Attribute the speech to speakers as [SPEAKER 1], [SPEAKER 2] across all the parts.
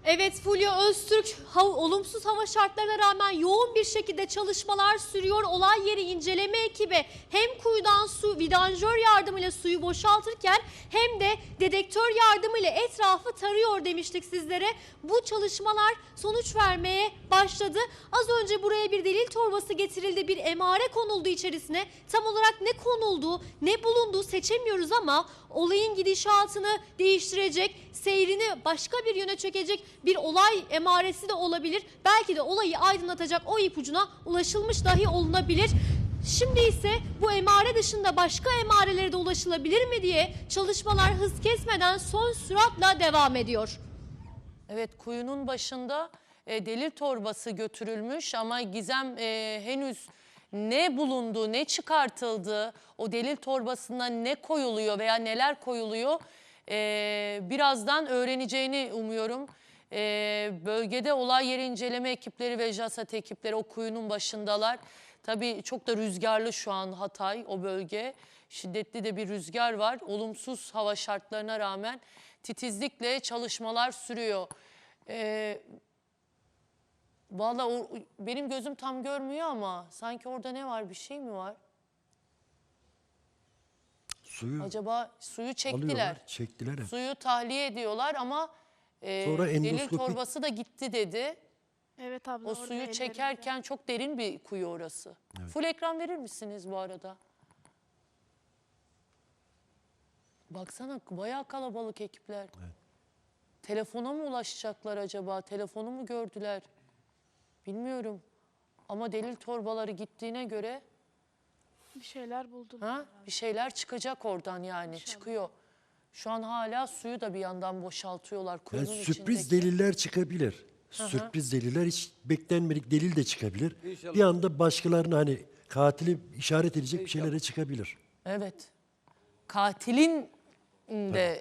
[SPEAKER 1] Evet, Fulya Öztürk, olumsuz hava şartlarına rağmen yoğun bir şekilde çalışmalar sürüyor. Olay yeri inceleme ekibi hem kuyudan su vidanjör yardımıyla suyu boşaltırken hem de dedektör yardımıyla etrafı tarıyor demiştik sizlere. Bu çalışmalar sonuç vermeye başladı. Az önce buraya bir delil torbası getirildi, bir emare konuldu içerisine. Tam olarak ne konuldu, ne bulundu seçemiyoruz ama olayın gidişatını değiştirecek, seyrini başka bir yöne çekecek bir olay emaresi de olabilir. Belki de olayı aydınlatacak o ipucuna ulaşılmış dahi olunabilir. Şimdi ise bu emare dışında başka emarelere de ulaşılabilir mi diye çalışmalar hız kesmeden son süratle devam ediyor.
[SPEAKER 2] Evet, kuyunun başında delil torbası götürülmüş ama Gizem henüz ne bulundu, ne çıkartıldı, o delil torbasına ne koyuluyor veya neler koyuluyor birazdan öğreneceğini umuyorum. Bölgede olay yeri inceleme ekipleri ve JASAT ekipleri o kuyunun başındalar. Tabii çok da rüzgarlı şu an Hatay, o bölge. Şiddetli de bir rüzgar var. Olumsuz hava şartlarına rağmen titizlikle çalışmalar sürüyor. Vallahi benim gözüm tam görmüyor ama sanki orada ne var, bir şey mi var?
[SPEAKER 3] Suyu
[SPEAKER 2] Acaba suyu çektiler.
[SPEAKER 3] alıyorlar, çektiler hep.
[SPEAKER 2] Suyu tahliye ediyorlar ama
[SPEAKER 3] Sonra
[SPEAKER 2] delil
[SPEAKER 3] endoskopik-
[SPEAKER 2] torbası da gitti dedi.
[SPEAKER 4] Evet abla.
[SPEAKER 2] O
[SPEAKER 4] orada
[SPEAKER 2] suyu
[SPEAKER 4] ellerinde.
[SPEAKER 2] çekerken çok derin bir kuyu orası.
[SPEAKER 3] Evet.
[SPEAKER 2] Full ekran verir misiniz bu arada? Baksana bayağı kalabalık ekipler.
[SPEAKER 3] Evet.
[SPEAKER 2] Telefona mı ulaşacaklar acaba? Telefonu mu gördüler? Bilmiyorum. Ama delil torbaları gittiğine göre
[SPEAKER 4] Bir şeyler buldular.
[SPEAKER 2] bir şeyler çıkacak oradan yani.
[SPEAKER 4] İnşallah.
[SPEAKER 2] Çıkıyor. Şu an hala suyu da bir yandan boşaltıyorlar
[SPEAKER 3] Yani
[SPEAKER 2] kuyunun
[SPEAKER 3] sürpriz
[SPEAKER 2] içindeki.
[SPEAKER 3] deliller çıkabilir. Sürpriz deliller, hiç beklenmedik delil de çıkabilir.
[SPEAKER 5] İnşallah.
[SPEAKER 3] Bir anda başkalarına hani katili işaret edecek bir şeylere çıkabilir.
[SPEAKER 2] Evet. Katilin de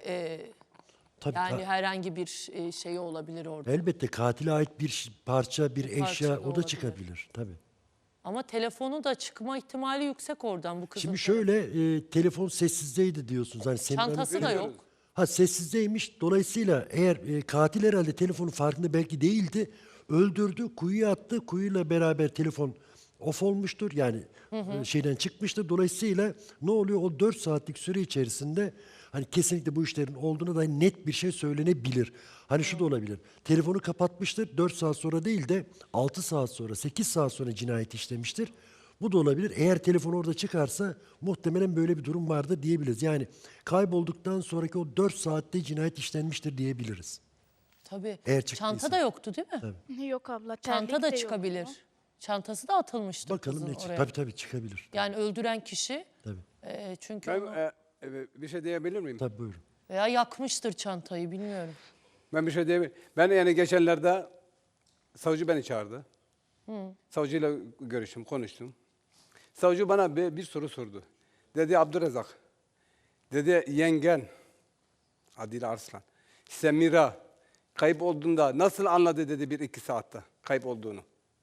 [SPEAKER 3] Tabii
[SPEAKER 2] yani herhangi bir şey olabilir orada.
[SPEAKER 3] elbette katile ait bir parça, bir
[SPEAKER 2] parça
[SPEAKER 3] eşya
[SPEAKER 2] da
[SPEAKER 3] o da
[SPEAKER 2] olabilir.
[SPEAKER 3] çıkabilir tabii.
[SPEAKER 2] Ama telefonu da çıkma ihtimali yüksek oradan bu kızın.
[SPEAKER 3] Şimdi şöyle telefon sessizdeydi diyorsunuz. Hani senin
[SPEAKER 2] Çantası da yok.
[SPEAKER 3] Ha, sessizdeymiş. Dolayısıyla eğer katil herhalde telefonun farkında belki değildi. Öldürdü, kuyuya attı. Kuyuyla beraber telefon off olmuştur. Yani şeyden çıkmıştır. Dolayısıyla ne oluyor? O 4 saatlik süre içerisinde hani kesinlikle bu işlerin olduğuna dair net bir şey söylenebilir. Hani şu da olabilir. Telefonu kapatmıştır. 4 saat sonra değil de 6 saat sonra, 8 saat sonra cinayet işlemiştir. Bu da olabilir. Eğer telefon orada çıkarsa muhtemelen böyle bir durum vardır diyebiliriz. Yani kaybolduktan sonraki o 4 saatte cinayet işlenmiştir diyebiliriz.
[SPEAKER 2] Tabii.
[SPEAKER 3] Eğer çıktıysa.
[SPEAKER 2] Çanta da yoktu değil mi?
[SPEAKER 4] Yok abla.
[SPEAKER 2] Çanta
[SPEAKER 4] terlik
[SPEAKER 2] da
[SPEAKER 4] de
[SPEAKER 2] çıkabilir.
[SPEAKER 4] yoktu.
[SPEAKER 2] Çantası da atılmıştır
[SPEAKER 3] Bakalım
[SPEAKER 2] kızın
[SPEAKER 3] ne çıkar.
[SPEAKER 2] oraya.
[SPEAKER 3] Tabii çıkabilir.
[SPEAKER 2] Yani öldüren kişi
[SPEAKER 3] Tabii.
[SPEAKER 2] çünkü
[SPEAKER 5] Ben
[SPEAKER 2] onu
[SPEAKER 5] bir şey diyebilir miyim?
[SPEAKER 3] Tabii buyurun.
[SPEAKER 2] veya yakmıştır çantayı bilmiyorum.
[SPEAKER 5] Ben bir şey diyebilir Ben yani geçenlerde savcı beni çağırdı. Savcıyla görüştüm, konuştum. Savcı bana bir soru sordu. Dedi Abdurrezzak, dedi yengen Adile Arslan, Semira kayıp olduğunda nasıl anladı dedi 1-2 saatte kayıp olduğunu.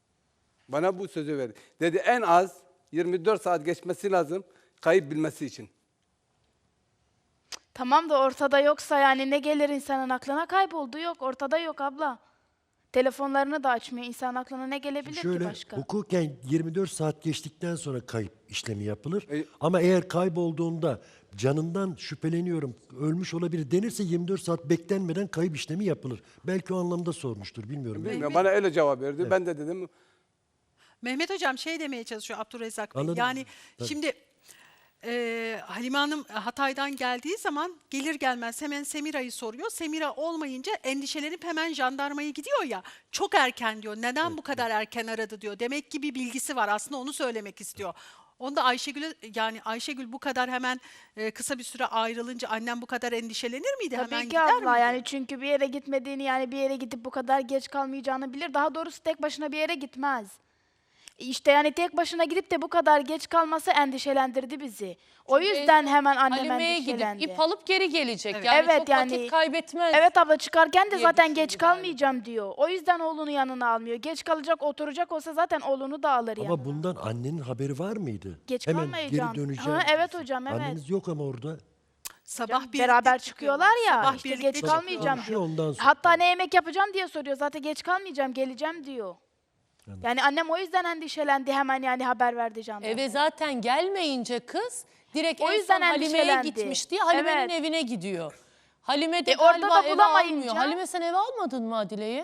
[SPEAKER 5] Bana bu sözü verdi. Dedi en az 24 saat geçmesi lazım kayıp bilmesi için.
[SPEAKER 4] Tamam da ortada yoksa yani ne gelir insanın aklına? Kayboldu yok. Ortada yok abla. Telefonlarını da açmıyor. İnsan aklına ne gelebilir ki
[SPEAKER 3] Şöyle
[SPEAKER 4] başka?
[SPEAKER 3] hukuken 24 saat geçtikten sonra kayıp işlemi yapılır.
[SPEAKER 5] E-
[SPEAKER 3] Ama eğer kaybolduğunda canından şüpheleniyorum, ölmüş olabilir denirse 24 saat beklenmeden kayıp işlemi yapılır. Belki o anlamda sormuştur, bilmiyorum.
[SPEAKER 5] Bilmiyorum. Bana öyle cevap verdi. Ben de dedim
[SPEAKER 6] Mehmet Hocam şey demeye çalışıyor Abdurrezzak Bey.
[SPEAKER 3] Anladım.
[SPEAKER 6] Yani
[SPEAKER 3] Tabii.
[SPEAKER 6] şimdi Halime Hanım Hatay'dan geldiği zaman gelir gelmez hemen Semira'yı soruyor. Semira olmayınca endişelenip hemen jandarmaya gidiyor ya. Çok erken diyor. Neden bu kadar erken aradı diyor. Demek ki bir bilgisi var. Aslında onu söylemek istiyor. Onda Ayşegül'e yani Ayşegül bu kadar hemen kısa bir süre ayrılınca annem bu kadar endişelenir miydi?
[SPEAKER 4] Tabii
[SPEAKER 6] hemen
[SPEAKER 4] ki
[SPEAKER 6] gider
[SPEAKER 4] abla
[SPEAKER 6] miydi?
[SPEAKER 4] yani çünkü bir yere gitmediğini yani bir yere gidip bu kadar geç kalmayacağını bilir. Daha doğrusu tek başına bir yere gitmez. İşte yani tek başına gidip de bu kadar geç kalması endişelendirdi bizi. O yüzden hemen annem
[SPEAKER 2] Halime'ye
[SPEAKER 4] endişelendi.
[SPEAKER 2] gidip ip alıp geri gelecek.
[SPEAKER 6] Evet.
[SPEAKER 2] Yani
[SPEAKER 4] Evet,
[SPEAKER 2] çok
[SPEAKER 4] yani-
[SPEAKER 2] vakit kaybetmez.
[SPEAKER 4] Evet abla çıkarken de
[SPEAKER 2] diye
[SPEAKER 4] zaten
[SPEAKER 2] düşündü
[SPEAKER 4] geç
[SPEAKER 2] galiba.
[SPEAKER 4] kalmayacağım diyor. O yüzden oğlunu yanına almıyor. Geç kalacak, oturacak olsa zaten oğlunu da alır yanına.
[SPEAKER 3] Ama bundan annenin haberi var mıydı?
[SPEAKER 4] Geç
[SPEAKER 3] Hemen
[SPEAKER 4] kalmayacağım.
[SPEAKER 3] geri döneceğim.
[SPEAKER 4] Ha, evet hocam, evet.
[SPEAKER 3] Anneniz yok ama orada.
[SPEAKER 6] Sabah
[SPEAKER 4] Canım,
[SPEAKER 6] birlikte
[SPEAKER 4] beraber çıkıyorlar ya.
[SPEAKER 6] Sabah
[SPEAKER 4] işte
[SPEAKER 6] birlikte
[SPEAKER 4] geç
[SPEAKER 6] çıkıyorlar.
[SPEAKER 4] kalmayacağım
[SPEAKER 3] Konuşuyor,
[SPEAKER 4] diyor.
[SPEAKER 3] ondan sonra.
[SPEAKER 4] Hatta ne yemek yapacağım diye soruyor. Zaten geç kalmayacağım, geleceğim diyor. Yani annem o yüzden endişelendi, hemen yani haber verdi jandarmaya.
[SPEAKER 2] Eve zaten gelmeyince kız direkt
[SPEAKER 4] O
[SPEAKER 2] en
[SPEAKER 4] yüzden
[SPEAKER 2] son Halime'ye
[SPEAKER 4] endişelendi.
[SPEAKER 2] gitmiş diye Halime'nin
[SPEAKER 4] Evet.
[SPEAKER 2] evine gidiyor. Halime de
[SPEAKER 4] orada
[SPEAKER 2] galiba
[SPEAKER 4] da
[SPEAKER 2] eve
[SPEAKER 4] bulamayınca-
[SPEAKER 2] almıyor. Halime sen eve almadın mı Adile'yi?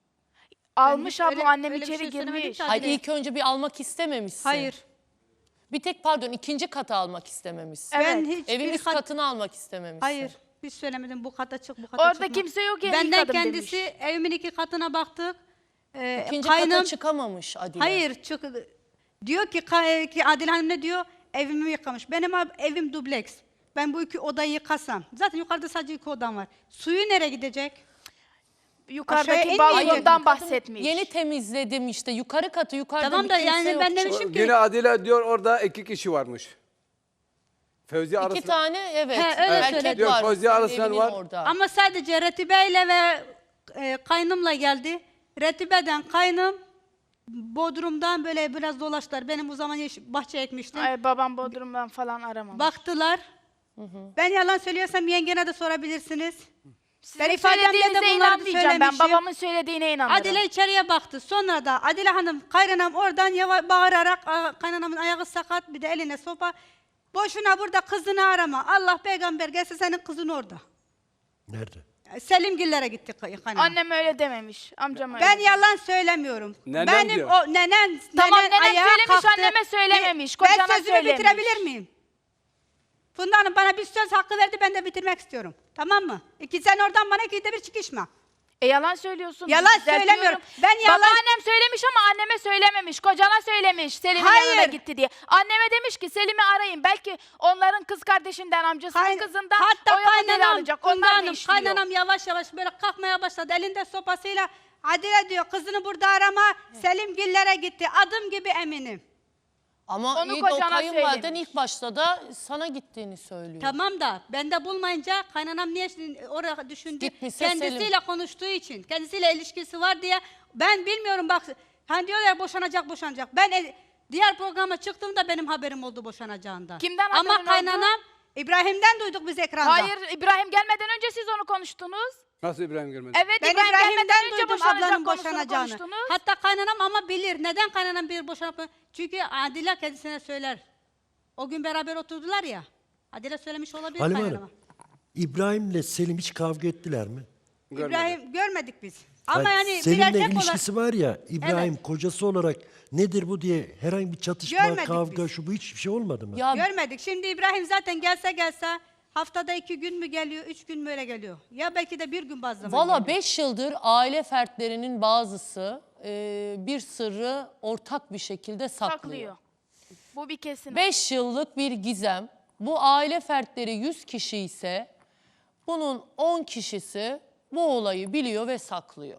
[SPEAKER 4] Almış
[SPEAKER 7] hiç
[SPEAKER 4] abla,
[SPEAKER 7] öyle-
[SPEAKER 4] annem
[SPEAKER 7] öyle bir
[SPEAKER 4] içeri
[SPEAKER 7] şey söylemedim
[SPEAKER 4] girmiş.
[SPEAKER 7] ki.
[SPEAKER 2] Hayır
[SPEAKER 7] Adile.
[SPEAKER 2] ilk önce bir almak istememişsin.
[SPEAKER 7] Hayır.
[SPEAKER 2] Bir tek pardon ikinci kata almak istememişsin.
[SPEAKER 4] Evet.
[SPEAKER 7] Ben hiç
[SPEAKER 2] Evin
[SPEAKER 7] bir
[SPEAKER 2] üst katını almak istememişsin.
[SPEAKER 7] Hayır. Hiç söylemedim bu kata çık bu kata
[SPEAKER 4] Orada
[SPEAKER 7] çıkma.
[SPEAKER 4] kimse yok yani,
[SPEAKER 7] Benden
[SPEAKER 4] kadın
[SPEAKER 7] kendisi
[SPEAKER 4] demiş.
[SPEAKER 7] evimin 2 katına baktık.
[SPEAKER 2] İkinci
[SPEAKER 7] Kaynım-
[SPEAKER 2] kata çıkamamış Adile.
[SPEAKER 7] Hayır çık. Diyor ki Adile Hanım ne diyor? Evimi yıkamış. Benim evim dubleks. Ben bu 2 odayı yıkasam. Zaten yukarıda sadece 2 odam var. Suyu nereye gidecek? Aşağıya
[SPEAKER 4] Yukarıdaki
[SPEAKER 7] inmeyecek.
[SPEAKER 4] balkondan bahsetmiş.
[SPEAKER 2] Yeni temizledim işte yukarı katı yukarıda
[SPEAKER 7] Tamam
[SPEAKER 2] bir
[SPEAKER 7] da
[SPEAKER 2] kimse
[SPEAKER 7] yani
[SPEAKER 2] yok.
[SPEAKER 7] ben demişim ki
[SPEAKER 5] Yine Adile diyor orada 2 kişi varmış. Fevzi
[SPEAKER 2] İki
[SPEAKER 5] arasında.
[SPEAKER 2] tane evet.
[SPEAKER 7] He, öyle
[SPEAKER 2] erkek
[SPEAKER 7] söyledi.
[SPEAKER 5] Diyor,
[SPEAKER 2] var.
[SPEAKER 5] Fauzi
[SPEAKER 2] senin
[SPEAKER 5] Araslan
[SPEAKER 2] evinin
[SPEAKER 5] var.
[SPEAKER 2] Orada.
[SPEAKER 7] ama sadece Retibe ile ve kaynımla geldi. Retibe'den kaynım Bodrum'dan böyle biraz dolaştılar. Benim o zaman bahçe ekmiştim.
[SPEAKER 4] Ay, babam Bodrum'dan falan aramamış.
[SPEAKER 7] Baktılar. Ben yalan söylüyorsam yengene de sorabilirsiniz.
[SPEAKER 4] Sizin
[SPEAKER 7] ben ifademde de
[SPEAKER 4] söylediğinize
[SPEAKER 7] bunları
[SPEAKER 4] inanmayacağım, ben
[SPEAKER 7] söylemişim.
[SPEAKER 4] babamın söylediğine inanırım.
[SPEAKER 7] Adile içeriye baktı. Sonra da Adile Hanım, kaynanam oradan bağırarak, kaynanamın ayağı sakat, bir de eline sopa. Boşuna burada kızını arama. Allah peygamber gelse senin kızın orada.
[SPEAKER 3] Nerede?
[SPEAKER 7] Selimgillere gitti kaynanam.
[SPEAKER 4] Annem öyle dememiş, amcam öyle.
[SPEAKER 7] Ben yalan söylemiyorum.
[SPEAKER 5] Nenem
[SPEAKER 7] Benim
[SPEAKER 5] diyor.
[SPEAKER 7] o nenen,
[SPEAKER 4] Tamam,
[SPEAKER 7] nenen
[SPEAKER 4] nenem
[SPEAKER 7] ayağa
[SPEAKER 4] söylemiş,
[SPEAKER 7] kalktı.
[SPEAKER 4] anneme söylememiş,
[SPEAKER 7] Ben
[SPEAKER 4] kocana
[SPEAKER 7] sözümü
[SPEAKER 4] söylemiş.
[SPEAKER 7] bitirebilir miyim? Funda Hanım bana bir söz hakkı verdi, ben de bitirmek istiyorum. Tamam mı? Sen oradan bana 2'de bir çıkışma.
[SPEAKER 4] Yalan söylüyorsun.
[SPEAKER 7] Yalan
[SPEAKER 4] düzeltiyorum.
[SPEAKER 7] söylemiyorum. Ben yalan-
[SPEAKER 4] Babaannem söylemiş ama anneme söylememiş. Kocana söylemiş Selim'in
[SPEAKER 7] Hayır.
[SPEAKER 4] yanına gitti diye. Anneme demiş ki Selim'i arayın. Belki onların kız kardeşinden, amcasının kızından
[SPEAKER 7] Hatta
[SPEAKER 4] o yapaları alacak.
[SPEAKER 7] Funda
[SPEAKER 4] Onlar ne
[SPEAKER 7] Hanım,
[SPEAKER 4] işliyor?
[SPEAKER 7] kaynanam yavaş yavaş böyle kalkmaya başladı. Elinde sopasıyla Adile diyor kızını burada arama. Selimgillere gitti. Adım gibi eminim.
[SPEAKER 2] Ama
[SPEAKER 4] Onu
[SPEAKER 2] iyi de o
[SPEAKER 4] kocana
[SPEAKER 2] kayınvaliden
[SPEAKER 4] söylemiş.
[SPEAKER 2] ilk başta da sana gittiğini söylüyor.
[SPEAKER 7] Tamam da ben de bulmayınca kaynanam niye oraya düşündü?
[SPEAKER 2] Gitmişse
[SPEAKER 7] Kendisiyle
[SPEAKER 2] Selim.
[SPEAKER 7] konuştuğu için, kendisiyle ilişkisi var diye ben bilmiyorum bak. Hani diyorlar ya boşanacak. Ben diğer programa çıktığımda benim haberim oldu boşanacağından.
[SPEAKER 4] Kimden
[SPEAKER 7] Ama
[SPEAKER 4] haberin oldu?
[SPEAKER 7] kaynanam İbrahim'den duyduk biz ekranda.
[SPEAKER 4] Hayır, İbrahim gelmeden önce siz onu konuştunuz.
[SPEAKER 5] Nasıl İbrahim görmedi?
[SPEAKER 4] Evet,
[SPEAKER 7] Ben
[SPEAKER 4] İbrahim gelmeden
[SPEAKER 7] İbrahim'den
[SPEAKER 4] önce
[SPEAKER 7] duydum
[SPEAKER 4] boşanacak
[SPEAKER 7] ablanın
[SPEAKER 4] konusunu
[SPEAKER 7] boşanacağını.
[SPEAKER 4] konuştunuz.
[SPEAKER 7] Hatta kaynanam ama bilir. Neden kaynanam bir boşanıp... Çünkü Adile kendisine söyler. O gün beraber oturdular ya. Adile söylemiş olabilir
[SPEAKER 3] Halime
[SPEAKER 7] kaynanama.
[SPEAKER 3] Hanım, İbrahim'le Selim hiç kavga ettiler mi?
[SPEAKER 5] Görmedim.
[SPEAKER 7] İbrahim görmedik biz. Ama
[SPEAKER 3] Hayır,
[SPEAKER 7] yani bir
[SPEAKER 3] Selim'le
[SPEAKER 7] erkek olarak...
[SPEAKER 3] ilişkisi var ya, İbrahim kocası olarak nedir bu diye herhangi bir çatışma,
[SPEAKER 7] Görmedik
[SPEAKER 3] kavga,
[SPEAKER 7] biz.
[SPEAKER 3] şu bu hiçbir şey olmadı mı?
[SPEAKER 2] Ya
[SPEAKER 7] Görmedik. Şimdi İbrahim zaten gelse haftada 2 gün mü geliyor, 3 gün mü öyle geliyor. Ya belki de bir gün bazı zaman
[SPEAKER 2] valla
[SPEAKER 7] geliyor.
[SPEAKER 2] 5 yıldır aile fertlerinin bazısı bir sırrı ortak bir şekilde saklıyor.
[SPEAKER 4] Saklıyor. Bu bir kesin.
[SPEAKER 2] 5 yıllık bir gizem. Bu aile fertleri 100 kişi ise bunun 10 kişisi bu olayı biliyor ve saklıyor.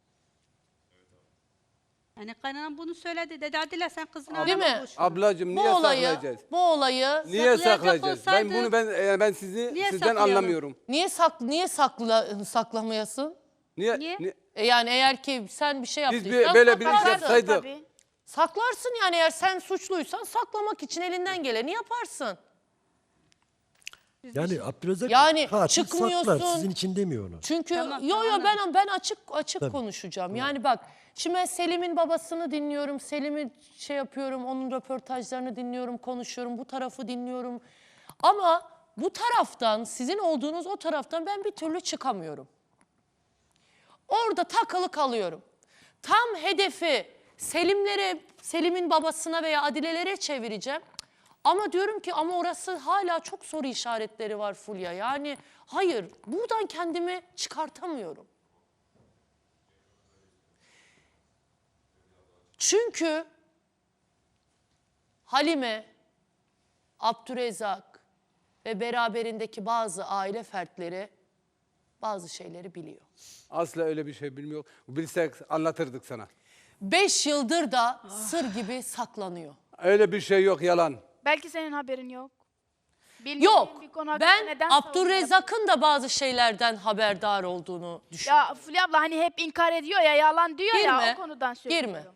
[SPEAKER 7] Yani kaynanam bunu söyledi. Dedi Adile sen kızını
[SPEAKER 2] Değil
[SPEAKER 7] arama
[SPEAKER 2] mi?
[SPEAKER 7] boş ver."
[SPEAKER 5] Ablacığım
[SPEAKER 2] Bu
[SPEAKER 5] niye
[SPEAKER 2] olayı,
[SPEAKER 5] saklayacağız?
[SPEAKER 2] bu olayı
[SPEAKER 5] Niye
[SPEAKER 7] Saklayacak
[SPEAKER 5] saklayacağız?
[SPEAKER 7] olsaydı-
[SPEAKER 5] Ben sizi
[SPEAKER 7] Niye
[SPEAKER 5] sizden
[SPEAKER 7] saklayalım?
[SPEAKER 5] anlamıyorum.
[SPEAKER 2] niye saklamayasın?
[SPEAKER 7] Niye?
[SPEAKER 2] Yani eğer ki sen bir şey
[SPEAKER 5] Biz
[SPEAKER 2] yaptıysan
[SPEAKER 5] böyle bir iş
[SPEAKER 2] saklarsın.
[SPEAKER 5] yapsaydık.
[SPEAKER 4] Tabii.
[SPEAKER 2] Saklarsın yani eğer sen suçluysan saklamak için elinden geleni yaparsın.
[SPEAKER 3] Yani Abdülrezzak
[SPEAKER 2] Yani
[SPEAKER 3] katil
[SPEAKER 2] çıkmıyorsun.
[SPEAKER 3] saklar, sizin için demiyor onu.
[SPEAKER 2] Çünkü
[SPEAKER 7] Tamam,
[SPEAKER 2] yo
[SPEAKER 7] tamam.
[SPEAKER 2] ben açık konuşacağım. Yani bak şimdi ben Selim'in babasını dinliyorum. Selim'i şey yapıyorum. Onun röportajlarını dinliyorum, konuşuyorum. Bu tarafı dinliyorum. Ama bu taraftan sizin olduğunuz o taraftan ben bir türlü çıkamıyorum. Orada takılı kalıyorum. Tam hedefi Selim'in babasına veya Adile'lere çevireceğim. Ama diyorum ki ama orası hala çok soru işaretleri var Fulya. Yani hayır buradan kendimi çıkartamıyorum. Çünkü Halime, Abdürezzak ve beraberindeki bazı aile fertleri bazı şeyleri biliyor.
[SPEAKER 5] Asla öyle bir şey bilmiyor. Bilsek anlatırdık sana.
[SPEAKER 2] 5 yıldır da sır gibi saklanıyor.
[SPEAKER 5] Öyle bir şey yok, yalan.
[SPEAKER 4] Belki senin haberin yok. Bilmediğin
[SPEAKER 2] Yok.
[SPEAKER 4] bir konu hakkında
[SPEAKER 2] Ben
[SPEAKER 4] neden savunma
[SPEAKER 2] Abdurrezzak'ın da bazı şeylerden haberdar olduğunu düşünüyorum.
[SPEAKER 4] Ya Fulya abla hani hep inkar ediyor ya, yalan diyor ya,
[SPEAKER 2] Girme,
[SPEAKER 4] o konudan söylüyorum.
[SPEAKER 2] girme.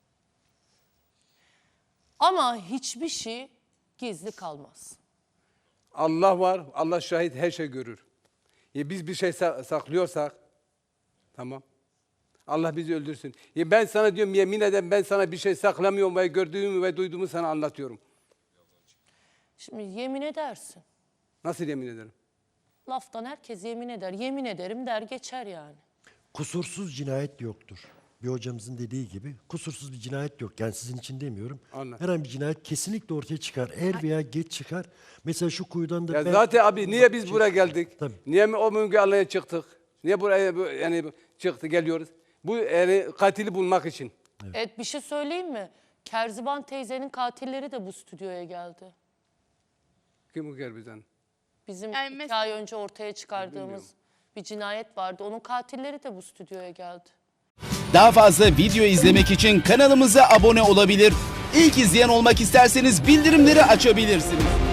[SPEAKER 2] Ama hiçbir şey gizli kalmaz.
[SPEAKER 5] Allah var, Allah şahit, her şey görür. Biz bir şey saklıyorsak, tamam. Allah bizi öldürsün. Ben sana diyorum, yemin ederim ben sana bir şey saklamıyorum ve gördüğümü ve duyduğumu sana anlatıyorum.
[SPEAKER 2] Şimdi yemin edersin.
[SPEAKER 5] Nasıl yemin ederim?
[SPEAKER 2] Laftan herkes yemin eder. Yemin ederim der geçer yani.
[SPEAKER 3] Kusursuz cinayet yoktur. Bir hocamızın dediği gibi kusursuz bir cinayet yok. Yani sizin için demiyorum.
[SPEAKER 5] Anladım.
[SPEAKER 3] Herhangi bir cinayet kesinlikle ortaya çıkar. Er veya geç çıkar. Mesela şu kuyudan da...
[SPEAKER 5] Ya zaten abi niye biz buraya geldik?
[SPEAKER 3] Tabii.
[SPEAKER 5] Niye o Müge Anlı'ya çıktık? Niye buraya yani çıktı geliyoruz? Bu yani katili bulmak için.
[SPEAKER 2] Evet bir şey söyleyeyim mi? Kerziban teyzenin katilleri de bu stüdyoya geldi.
[SPEAKER 5] Kim bu bizden?
[SPEAKER 2] Bizim
[SPEAKER 4] Yani
[SPEAKER 2] 2 ay önce ortaya çıkardığımız bir cinayet vardı. Onun katilleri de bu stüdyoya geldi.
[SPEAKER 8] Daha fazla video izlemek için kanalımıza abone olabilir. İlk izleyen olmak isterseniz bildirimleri açabilirsiniz.